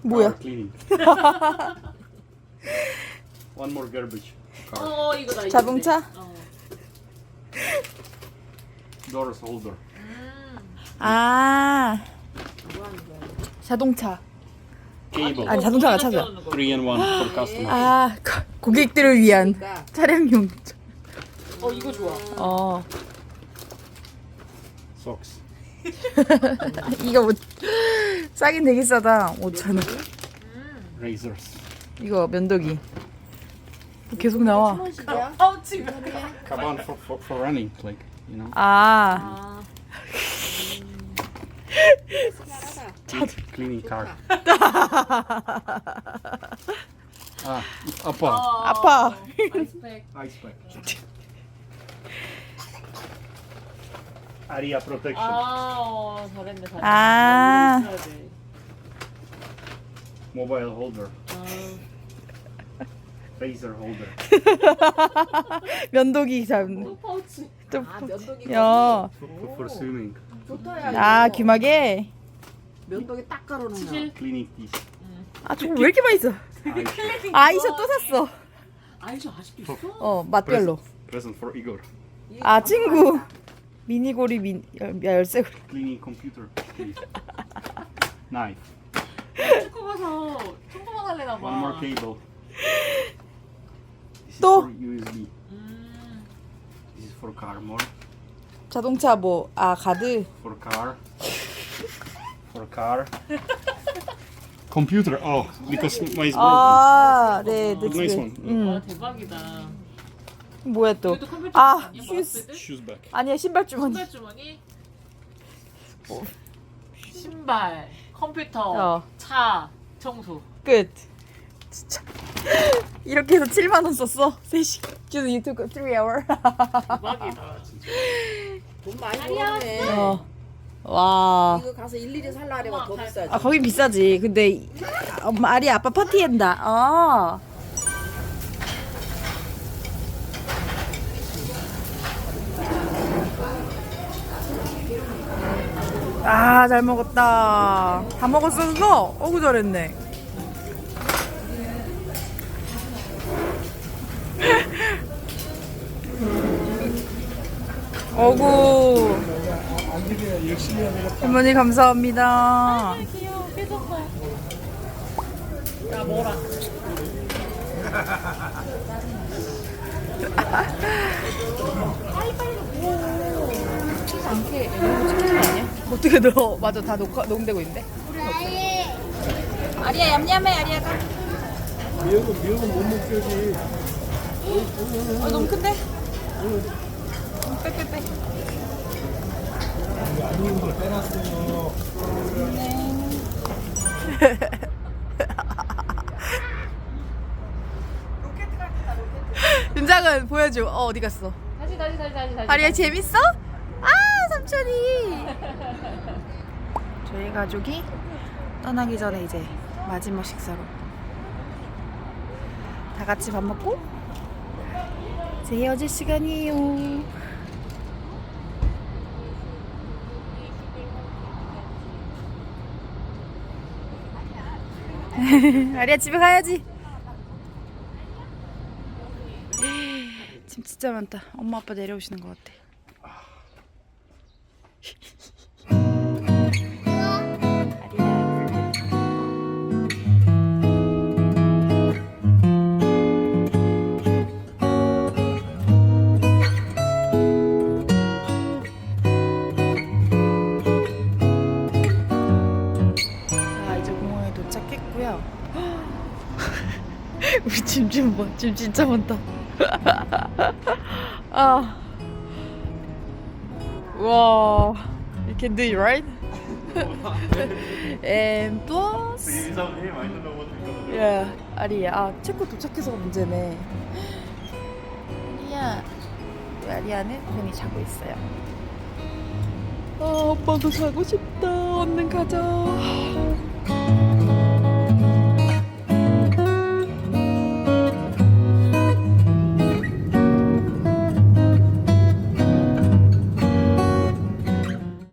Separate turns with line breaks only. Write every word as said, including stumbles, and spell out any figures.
뭐야?
Car cleaning. One more garbage. Car.
어 이거다 이거.
자동차?
어.
Doors holder.
음.
아
뭐 하는 거야?
자동차.
Cable.
아니, 자동차가 찾아.
Three and one for customer.
아 고- 고객들을 위한
그러니까.
차량용.
어 이거 좋아.
어
Socks.
이거 뭐 싸긴 되게 싸다. 오천 원.
Razors.
이거 면도기. 계속 나와.
어, 어 지금.
Kaban for, for, for running, like, you know.
아
아.
Cleaning car. Ah, apa.
아파.
아이스팩.
Ice pack. Area protection.
아, 어, 잘했네, 잘했네.
아.
이거 있어야 돼.
Mobile holder.
아,
Razor holder.
면도기 잡는.
또 파우치.
또
아, 면도기.
야.
For, for swimming.
좋다야.
아 귀마개.
면도기 딱 깔아놓으면. 치실.
Cleaning teeth.
아 저거 왜 이렇게 많이 써?
Eyes.
아이셔 또 샀어.
아이셔 아직도 있어?
어 맛별로.
Present for Igor.
아 친구. 미니고리 민 열- 열쇠고리.
Cleaning computer. Please. Knife.
축구 가서 청소만 할래나 봐.
One more cable. This is
또?
for U S B.
음.
This is for car more.
자동차 뭐 아 가드.
For car. For car. Computer. Oh, because mine is broken.
아 네, 네
Nice
집에.
one.
와
음
대박이다.
뭐야 또?
이것도 컴퓨터
아
아니야?
휴스.
마우스패드?
Shoes back.
아니야 신발 주머니.
신발 주머니. 신발, 컴퓨터,
어.
차, 청소.
끝. 진짜 이렇게 해서 칠만 원 썼어. 세 시. just you took three hour.
대박이다.
돈 많이 벌었네.
어. 와.
이거 가서 일일이 살라 하려면 더 비싸지.
아 거긴 비싸지. 근데 이- 아, 엄마 아리 아빠 파티한다. 어. 아, 잘 먹었다. 다 먹었었어? 어구 잘했네. 어구. 할머니 감사합니다.
귀여워, 삐졌어. 야, 먹어라.
않게 너무 찍히는 거 아니야? 어떻게 너 맞아 다 녹화 녹음되고 있는데? 아리야 얌얌해 아리야가.
미역은 미역은 못 먹지.
어 너무 큰데? 빼빼빼.
안 익은 걸 빼놨어요.
윤장은 보여줘. 어 어디 갔어?
다시, 다시, 다시, 다시. 다시.
아리야 재밌어? 아 삼촌이. 저희 가족이 떠나기 전에 이제 마지막 식사로 다 같이 밥 먹고 이제 헤어질 시간이에요. 아리야 집에 가야지. 짐 진짜 많다. 엄마 아빠 내려오시는 것 같아. 자 이제 공항에 도착했고요. 우리 짐 좀 봐. 짐 진짜 많다. 아, 와, you can do it, right? And plus, yeah, 아리야, 아 체코 도착해서가 문제네. 아리야, 우리 아리야는 편히 자고 있어요. 아, 엄마도 자고 싶다. 얼른 가자.